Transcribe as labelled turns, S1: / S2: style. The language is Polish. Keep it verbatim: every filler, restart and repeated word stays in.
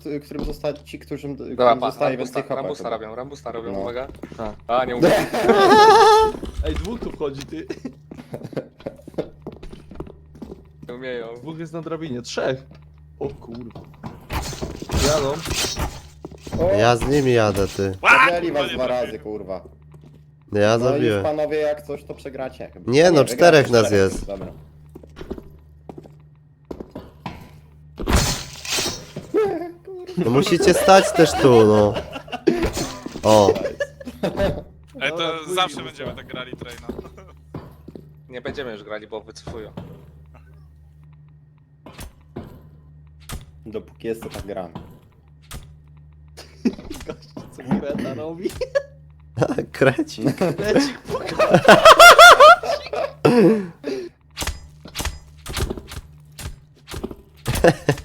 S1: t- którym zostali ci, którym,
S2: Dobra,
S1: którym
S2: pa,
S1: zostaje
S2: Rambusta,
S1: więcej HP.
S2: Rambusta
S1: chyba.
S2: robią, Rambusta robią,
S1: No.
S2: uwaga.
S3: Tak.
S2: A, nie umiem.
S3: Ej, dwóch tu wchodzi, ty.
S2: Nie umieją.
S3: Dwóch jest na drabinie, trzech. O kurwa. Jadą.
S1: O,
S4: Ja z nimi jadę, ty.
S1: zabieli was dwa razy, kurwa.
S4: Ja
S1: No już
S4: zabiłem.
S1: panowie, jak coś, to przegracie. Chyba.
S4: Nie,
S1: A
S4: no,
S1: wygracie
S4: czterech nas
S1: czterech,
S4: jest.
S1: Dobra.
S4: No musicie stać też tu, no. O,
S5: Ej,
S3: Dobra,
S5: to
S3: później
S5: zawsze
S3: zostało.
S5: będziemy tak grali traina.
S2: Nie będziemy już grali, bo wycofują.
S1: Dopóki jest, to tak gramy.
S3: Co Greta robi?
S4: krecik.
S3: Lecik puka.